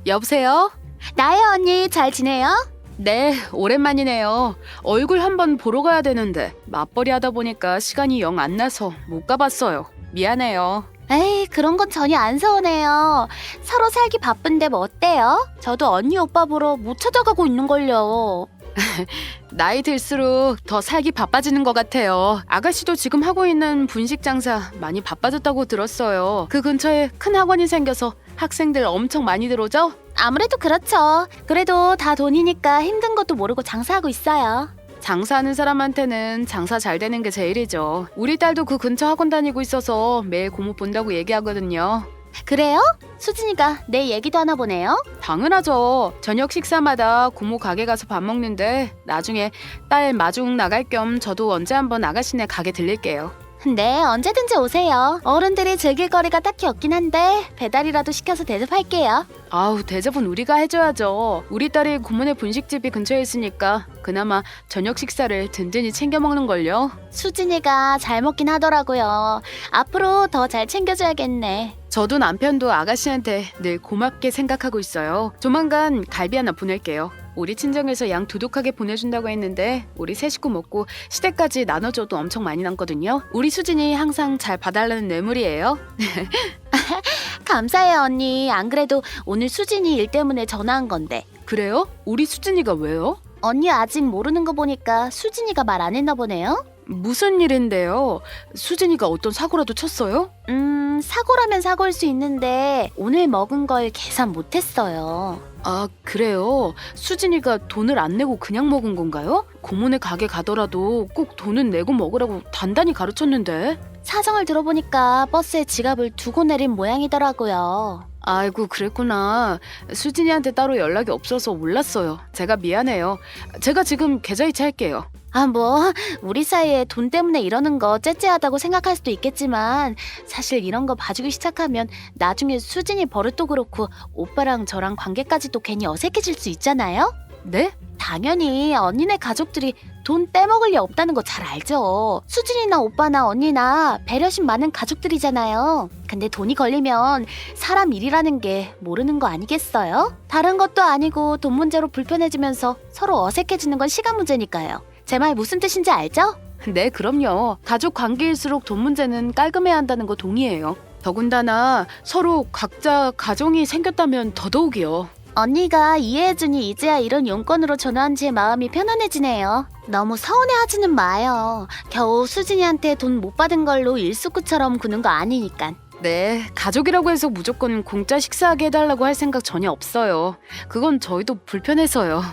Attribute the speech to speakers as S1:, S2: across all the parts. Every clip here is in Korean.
S1: 여보세요?
S2: 나야 언니 잘 지내요?
S1: 네, 오랜만이네요. 얼굴 한번 보러 가야 되는데 맞벌이 하다 보니까 시간이 영 안 나서 못 가봤어요. 미안해요.
S2: 에이 그런 건 전혀 안 서운해요. 서로 살기 바쁜데 뭐 어때요? 저도 언니 오빠 보러 못 찾아가고 있는걸요.
S1: 나이 들수록 더 살기 바빠지는 것 같아요. 아가씨도 지금 하고 있는 분식 장사 많이 바빠졌다고 들었어요. 그 근처에 큰 학원이 생겨서 학생들 엄청 많이 들어오죠?
S2: 아무래도 그렇죠. 그래도 다 돈이니까 힘든 것도 모르고 장사하고 있어요.
S1: 장사하는 사람한테는 장사 잘 되는 게 제일이죠. 우리 딸도 그 근처 학원 다니고 있어서 매일 고모 본다고 얘기하거든요.
S2: 그래요? 수진이가 내 얘기도 하나 보네요.
S1: 당연하죠. 저녁 식사마다 고모 가게 가서 밥 먹는데 나중에 딸 마중 나갈 겸 저도 언제 한번 아가씨네 가게 들릴게요.
S2: 네 언제든지 오세요. 어른들이 즐길 거리가 딱히 없긴 한데 배달이라도 시켜서 대접할게요.
S1: 아우, 대접은 우리가 해줘야죠. 우리 딸이 고모네 분식집이 근처에 있으니까 그나마 저녁 식사를 든든히 챙겨 먹는걸요.
S2: 수진이가 잘 먹긴 하더라고요. 앞으로 더 잘 챙겨줘야겠네.
S1: 저도 남편도 아가씨한테 늘 고맙게 생각하고 있어요. 조만간 갈비 하나 보낼게요. 우리 친정에서 양 두둑하게 보내준다고 했는데 우리 세 식구 먹고 시댁까지 나눠줘도 엄청 많이 남거든요. 우리 수진이 항상 잘 봐달라는 뇌물이에요.
S2: 감사해요 언니. 안 그래도 오늘 수진이 일 때문에 전화한 건데.
S1: 그래요? 우리 수진이가 왜요?
S2: 언니 아직 모르는 거 보니까 수진이가 말 안 했나 보네요.
S1: 무슨 일인데요? 수진이가 어떤 사고라도 쳤어요?
S2: 사고라면 사고일 수 있는데 오늘 먹은 걸 계산 못했어요.
S1: 아, 그래요? 수진이가 돈을 안 내고 그냥 먹은 건가요? 고모네 가게 가더라도 꼭 돈은 내고 먹으라고 단단히 가르쳤는데.
S2: 사정을 들어보니까 버스에 지갑을 두고 내린 모양이더라고요.
S1: 아이고, 그랬구나. 수진이한테 따로 연락이 없어서 몰랐어요. 제가 미안해요. 제가 지금 계좌이체 할게요.
S2: 아, 뭐 우리 사이에 돈 때문에 이러는 거 째째하다고 생각할 수도 있겠지만 사실 이런 거 봐주기 시작하면 나중에 수진이 버릇도 그렇고 오빠랑 저랑 관계까지도 괜히 어색해질 수 있잖아요?
S1: 네?
S2: 당연히 언니네 가족들이 돈 떼먹을 리 없다는 거 잘 알죠. 수진이나 오빠나 언니나 배려심 많은 가족들이잖아요. 근데 돈이 걸리면 사람 일이라는 게 모르는 거 아니겠어요? 다른 것도 아니고 돈 문제로 불편해지면서 서로 어색해지는 건 시간 문제니까요. 제 말 무슨 뜻인지 알죠?
S1: 네, 그럼요. 가족 관계일수록 돈 문제는 깔끔해야 한다는 거 동의해요. 더군다나 서로 각자 가정이 생겼다면 더더욱이요.
S2: 언니가 이해해주니 이제야 이런 용건으로 전화한 제 마음이 편안해지네요. 너무 서운해하지는 마요. 겨우 수진이한테 돈 못 받은 걸로 일수구처럼 구는 거 아니니까.
S1: 네, 가족이라고 해서 무조건 공짜 식사하게 해달라고 할 생각 전혀 없어요. 그건 저희도 불편해서요.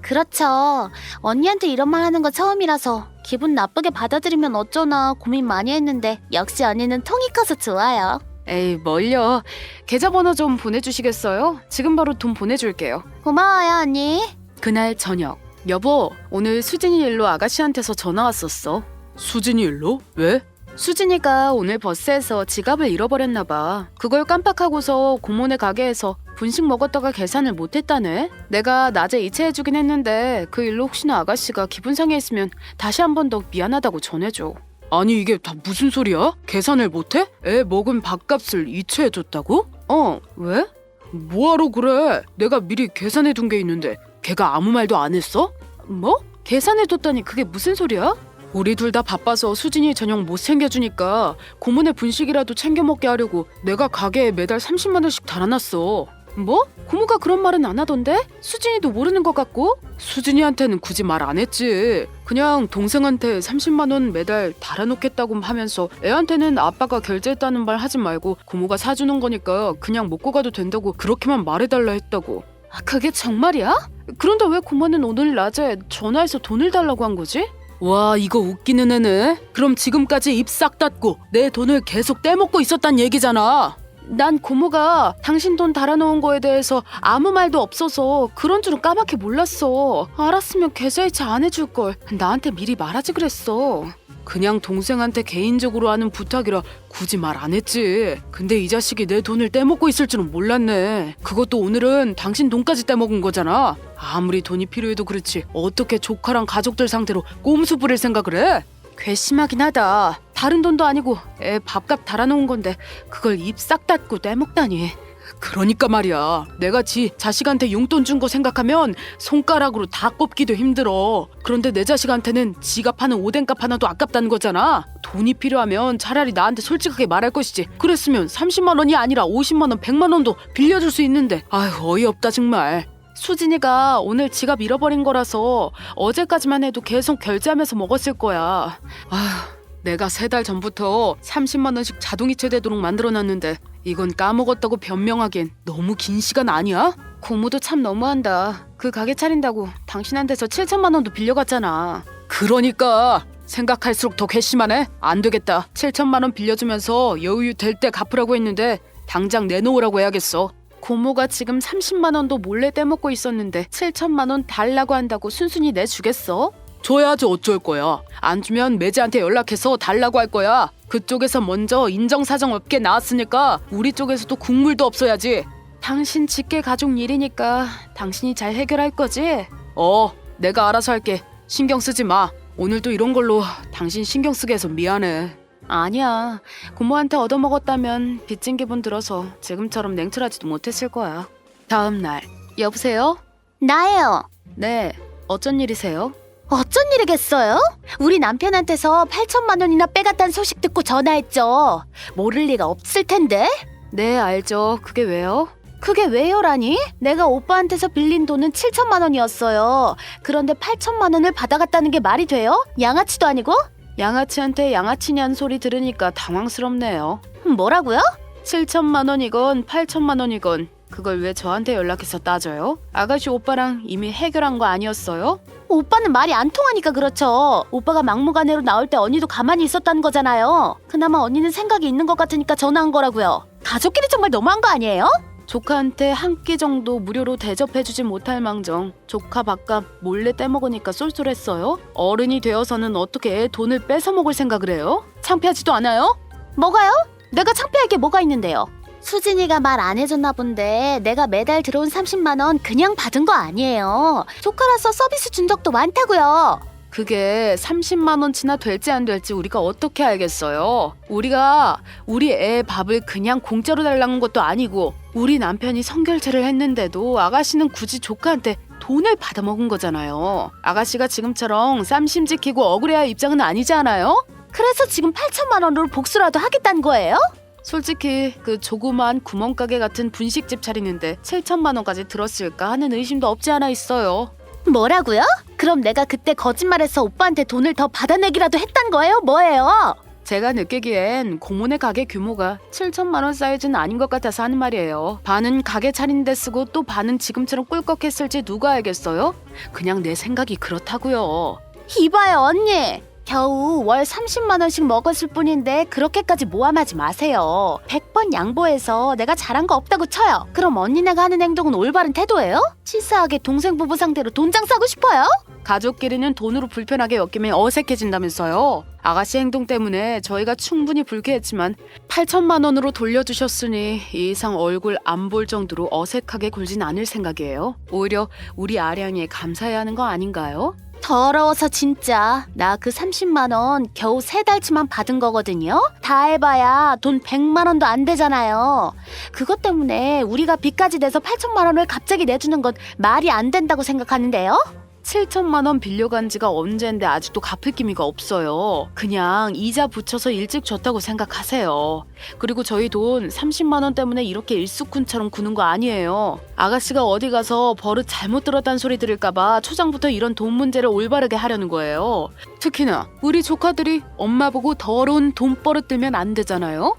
S2: 그렇죠. 언니한테 이런 말 하는 거 처음이라서 기분 나쁘게 받아들이면 어쩌나 고민 많이 했는데 역시 언니는 통이 커서 좋아요.
S1: 에이, 뭘요. 계좌번호 좀 보내주시겠어요? 지금 바로 돈 보내줄게요.
S2: 고마워요 언니.
S1: 그날 저녁. 여보, 오늘 수진이 일로 아가씨한테서 전화 왔었어. 수진이 일로? 왜? 수진이가 오늘 버스에서 지갑을 잃어버렸나 봐. 그걸 깜빡하고서 고모네 가게에서 분식 먹었다가 계산을 못했다네. 내가 낮에 이체해주긴 했는데 그 일로 혹시나 아가씨가 기분 상해했으면 다시 한 번 더 미안하다고 전해줘. 아니, 이게 다 무슨 소리야? 계산을 못해? 애 먹은 밥값을 이체해줬다고? 왜? 뭐하러 그래? 내가 미리 계산해둔 게 있는데 걔가 아무 말도 안 했어? 뭐? 계산해뒀다니 그게 무슨 소리야? 우리 둘 다 바빠서 수진이 저녁 못 챙겨주니까 고모네 분식이라도 챙겨 먹게 하려고 내가 가게에 매달 30만 원씩 달아놨어. 뭐? 고모가 그런 말은 안 하던데? 수진이도 모르는 것 같고? 수진이한테는 굳이 말 안 했지. 그냥 동생한테 30만 원 매달 달아놓겠다고 하면서 애한테는 아빠가 결제했다는 말 하지 말고 고모가 사주는 거니까 그냥 먹고 가도 된다고 그렇게만 말해달라 했다고. 아, 그게 정말이야? 그런데 왜 고모는 오늘 낮에 전화해서 돈을 달라고 한 거지? 와, 이거 웃기는 애네. 그럼 지금까지 입 싹 닫고 내 돈을 계속 떼먹고 있었단 얘기잖아. 난 고모가 당신 돈 달아놓은 거에 대해서 아무 말도 없어서 그런 줄은 까맣게 몰랐어. 알았으면 계좌이체 안 해줄 걸. 나한테 미리 말하지 그랬어. 그냥 동생한테 개인적으로 하는 부탁이라 굳이 말 안 했지. 근데 이 자식이 내 돈을 떼먹고 있을 줄은 몰랐네. 그것도 오늘은 당신 돈까지 떼먹은 거잖아. 아무리 돈이 필요해도 그렇지 어떻게 조카랑 가족들 상대로 꼼수 부릴 생각을 해? 괘씸하긴 하다. 다른 돈도 아니고 애 밥값 달아놓은 건데 그걸 입 싹 닫고 떼먹다니. 그러니까 말이야. 내가 자식한테 용돈 준 거 생각하면 손가락으로 다 꼽기도 힘들어. 그런데 내 자식한테는 지가 파는 오뎅값 하나도 아깝다는 거잖아. 돈이 필요하면 차라리 나한테 솔직하게 말할 것이지. 그랬으면 30만 원이 아니라 50만 원, 100만 원도 빌려줄 수 있는데. 아휴, 어이없다 정말. 수진이가 오늘 지갑 잃어버린 거라서 어제까지만 해도 계속 결제하면서 먹었을 거야. 아휴, 내가 3달 전부터 30만 원씩 자동이체 되도록 만들어놨는데 이건 까먹었다고 변명하기엔 너무 긴 시간 아니야? 고모도 참 너무한다. 그 가게 차린다고 당신한테서 7천만 원도 빌려갔잖아. 그러니까 생각할수록 더 괘씸하네. 안 되겠다. 7천만 원 빌려주면서 여유 될 때 갚으라고 했는데 당장 내놓으라고 해야겠어. 고모가 지금 30만 원도 몰래 떼먹고 있었는데 7천만 원 달라고 한다고 순순히 내주겠어? 줘야지 어쩔 거야. 안 주면 매제한테 연락해서 달라고 할 거야. 그쪽에서 먼저 인정사정 없게 나왔으니까 우리 쪽에서도 국물도 없어야지. 당신 직계 가족 일이니까 당신이 잘 해결할 거지? 내가 알아서 할게. 신경 쓰지 마. 오늘도 이런 걸로 당신 신경 쓰게 해서 미안해. 아니야. 고모한테 얻어먹었다면 빚진 기분 들어서 지금처럼 냉철하지도 못했을 거야. 다음 날. 여보세요?
S2: 나예요.
S1: 네. 어쩐 일이세요?
S2: 어쩐 일이겠어요? 우리 남편한테서 8천만 원이나 빼갔다는 소식 듣고 전화했죠. 모를 리가 없을 텐데.
S1: 네, 알죠. 그게 왜요?
S2: 그게 왜요라니? 내가 오빠한테서 빌린 돈은 7천만 원이었어요. 그런데 8천만 원을 받아갔다는 게 말이 돼요? 양아치도 아니고?
S1: 양아치한테 양아치냐는 소리 들으니까 당황스럽네요.
S2: 뭐라고요?
S1: 7천만 원이건 8천만 원이건 그걸 왜 저한테 연락해서 따져요? 아가씨 오빠랑 이미 해결한 거 아니었어요?
S2: 오빠는 말이 안 통하니까 그렇죠. 오빠가 막무가내로 나올 때 언니도 가만히 있었다는 거잖아요. 그나마 언니는 생각이 있는 것 같으니까 전화한 거라고요. 가족끼리 정말 너무한 거 아니에요?
S1: 조카한테 한 끼 정도 무료로 대접해주지 못할 망정 조카 밥값 몰래 떼먹으니까 쏠쏠했어요? 어른이 되어서는 어떻게 애 돈을 뺏어먹을 생각을 해요? 창피하지도 않아요?
S2: 뭐가요? 내가 창피할 게 뭐가 있는데요? 수진이가 말 안 해줬나 본데 내가 매달 들어온 30만 원 그냥 받은 거 아니에요. 조카라서 서비스 준 적도 많다고요.
S1: 그게 30만 원치나 될지 안 될지 우리가 어떻게 알겠어요? 우리가 우리 애 밥을 그냥 공짜로 달라는 것도 아니고 우리 남편이 성결제를 했는데도 아가씨는 굳이 조카한테 돈을 받아먹은 거잖아요. 아가씨가 지금처럼 쌈심 지키고 억울해할 입장은 아니지 않아요?
S2: 그래서 지금 8천만 원으로 복수라도 하겠다는 거예요?
S1: 솔직히 그 조그만 구멍가게 같은 분식집 차리는데 7천만 원까지 들었을까 하는 의심도 없지 않아 있어요.
S2: 뭐라고요? 그럼 내가 그때 거짓말해서 오빠한테 돈을 더 받아내기라도 했단 거예요? 뭐예요?
S1: 제가 느끼기엔 고모네 가게 규모가 7천만 원 사이즈는 아닌 것 같아서 하는 말이에요. 반은 가게 차리는데 쓰고 또 반은 지금처럼 꿀꺽했을지 누가 알겠어요? 그냥 내 생각이 그렇다고요.
S2: 이봐요 언니. 겨우 월 30만 원씩 먹었을 뿐인데 그렇게까지 모함하지 마세요. 100번 양보해서 내가 잘한 거 없다고 쳐요. 그럼 언니네가 하는 행동은 올바른 태도예요? 치사하게 동생 부부 상대로 돈장 싸고 싶어요?
S1: 가족끼리는 돈으로 불편하게 엮이면 어색해진다면서요. 아가씨 행동 때문에 저희가 충분히 불쾌했지만 8천만 원으로 돌려주셨으니 이 이상 얼굴 안 볼 정도로 어색하게 굴진 않을 생각이에요. 오히려 우리 아량이에 감사해야 하는 거 아닌가요?
S2: 더러워서 진짜. 나 그 30만 원 겨우 3달치만 받은 거거든요. 다 해봐야 돈 100만 원도 안 되잖아요. 그것 때문에 우리가 빚까지 내서 8천만 원을 갑자기 내주는 건 말이 안 된다고 생각하는데요.
S1: 7천만 원 빌려간 지가 언젠데 아직도 갚을 기미가 없어요. 그냥 이자 붙여서 일찍 줬다고 생각하세요. 그리고 저희 돈 30만 원 때문에 이렇게 일수꾼처럼 구는 거 아니에요. 아가씨가 어디 가서 버릇 잘못 들었다는 소리 들을까봐 초장부터 이런 돈 문제를 올바르게 하려는 거예요. 특히나 우리 조카들이 엄마 보고 더러운 돈버릇 들면 안 되잖아요.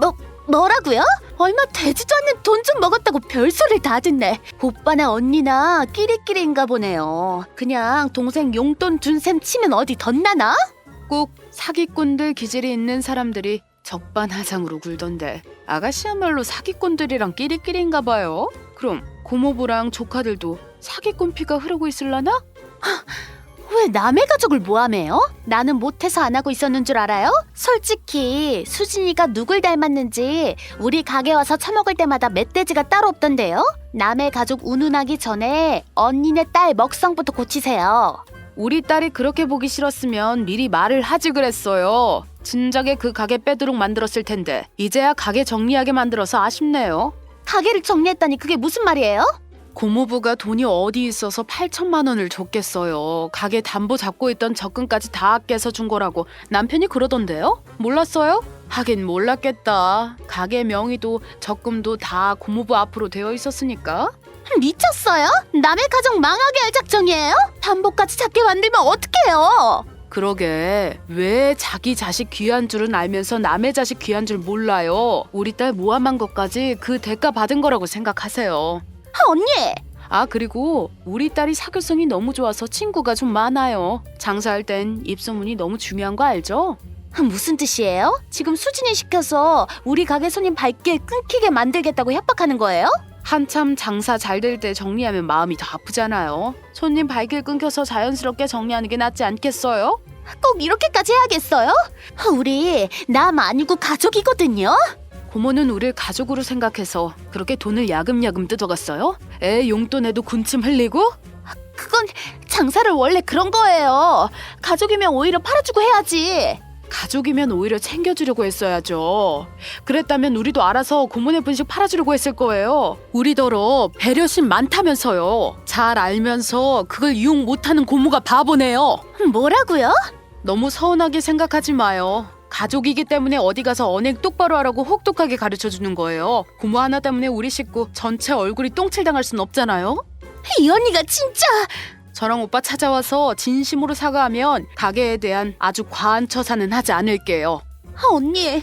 S2: 뭐라고요? 얼마 되지도 않는 돈 좀 먹었다고 별소리를 다 듣네. 오빠나 언니나 끼리끼리인가 보네요. 그냥 동생 용돈 준 셈 치면 어디 덧나나?
S1: 꼭 사기꾼들 기질이 있는 사람들이 적반하장으로 굴던데 아가씨야말로 사기꾼들이랑 끼리끼리인가 봐요. 그럼 고모부랑 조카들도 사기꾼 피가 흐르고 있을라나?
S2: 왜 남의 가족을 모함해요? 나는 못해서 안 하고 있었는 줄 알아요? 솔직히 수진이가 누굴 닮았는지 우리 가게 와서 처먹을 때마다 멧돼지가 따로 없던데요? 남의 가족 운운하기 전에 언니네 딸 먹성부터 고치세요.
S1: 우리 딸이 그렇게 보기 싫었으면 미리 말을 하지 그랬어요. 진작에 그 가게 빼도록 만들었을 텐데 이제야 가게 정리하게 만들어서 아쉽네요.
S2: 가게를 정리했다니 그게 무슨 말이에요?
S1: 고모부가 돈이 어디 있어서 8천만 원을 줬겠어요. 가게 담보 잡고 있던 적금까지 다 깨서 준 거라고 남편이 그러던데요? 몰랐어요? 하긴 몰랐겠다. 가게 명의도 적금도 다 고모부 앞으로 되어 있었으니까.
S2: 미쳤어요? 남의 가정 망하게 할 작정이에요? 담보까지 잡게 만들면 어떡해요?
S1: 그러게 왜 자기 자식 귀한 줄은 알면서 남의 자식 귀한 줄 몰라요. 우리 딸 모함한 것까지 그 대가 받은 거라고 생각하세요.
S2: 언니!
S1: 아 그리고 우리 딸이 사교성이 너무 좋아서 친구가 좀 많아요. 장사할 땐 입소문이 너무 중요한 거 알죠?
S2: 무슨 뜻이에요? 지금 수진이 시켜서 우리 가게 손님 발길 끊기게 만들겠다고 협박하는 거예요?
S1: 한참 장사 잘 될 때 정리하면 마음이 더 아프잖아요. 손님 발길 끊겨서 자연스럽게 정리하는 게 낫지 않겠어요?
S2: 꼭 이렇게까지 해야겠어요? 우리 남 아니고 가족이거든요?
S1: 고모는 우릴 가족으로 생각해서 그렇게 돈을 야금야금 뜯어갔어요? 애 용돈에도 군침 흘리고?
S2: 그건 장사를 원래 그런 거예요. 가족이면 오히려 팔아주고 해야지.
S1: 가족이면 오히려 챙겨주려고 했어야죠. 그랬다면 우리도 알아서 고모네 분식 팔아주려고 했을 거예요. 우리더러 배려심 많다면서요. 잘 알면서 그걸 이용 못하는 고모가 바보네요.
S2: 뭐라고요?
S1: 너무 서운하게 생각하지 마요. 가족이기 때문에 어디 가서 언행 똑바로 하라고 혹독하게 가르쳐주는 거예요. 고모 하나 때문에 우리 식구 전체 얼굴이 똥칠당할 순 없잖아요.
S2: 이 언니가 진짜...
S1: 저랑 오빠 찾아와서 진심으로 사과하면 가게에 대한 아주 과한 처사는 하지 않을게요.
S2: 언니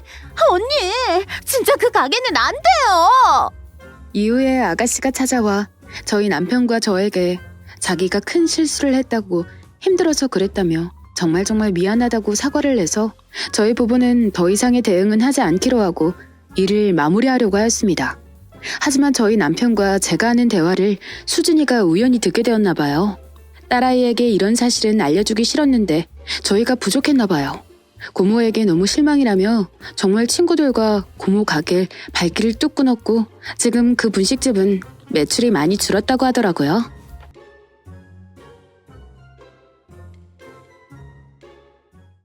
S2: 진짜 그 가게는 안 돼요.
S1: 이후에 아가씨가 찾아와 저희 남편과 저에게 자기가 큰 실수를 했다고 힘들어서 그랬다며 정말 미안하다고 사과를 내서 저희 부부는 더 이상의 대응은 하지 않기로 하고 일을 마무리하려고 하였습니다. 하지만 저희 남편과 제가 하는 대화를 수진이가 우연히 듣게 되었나 봐요. 딸아이에게 이런 사실은 알려주기 싫었는데 저희가 부족했나 봐요. 고모에게 너무 실망이라며 정말 친구들과 고모 가게 발길을 뚝 끊었고 지금 그 분식집은 매출이 많이 줄었다고 하더라고요.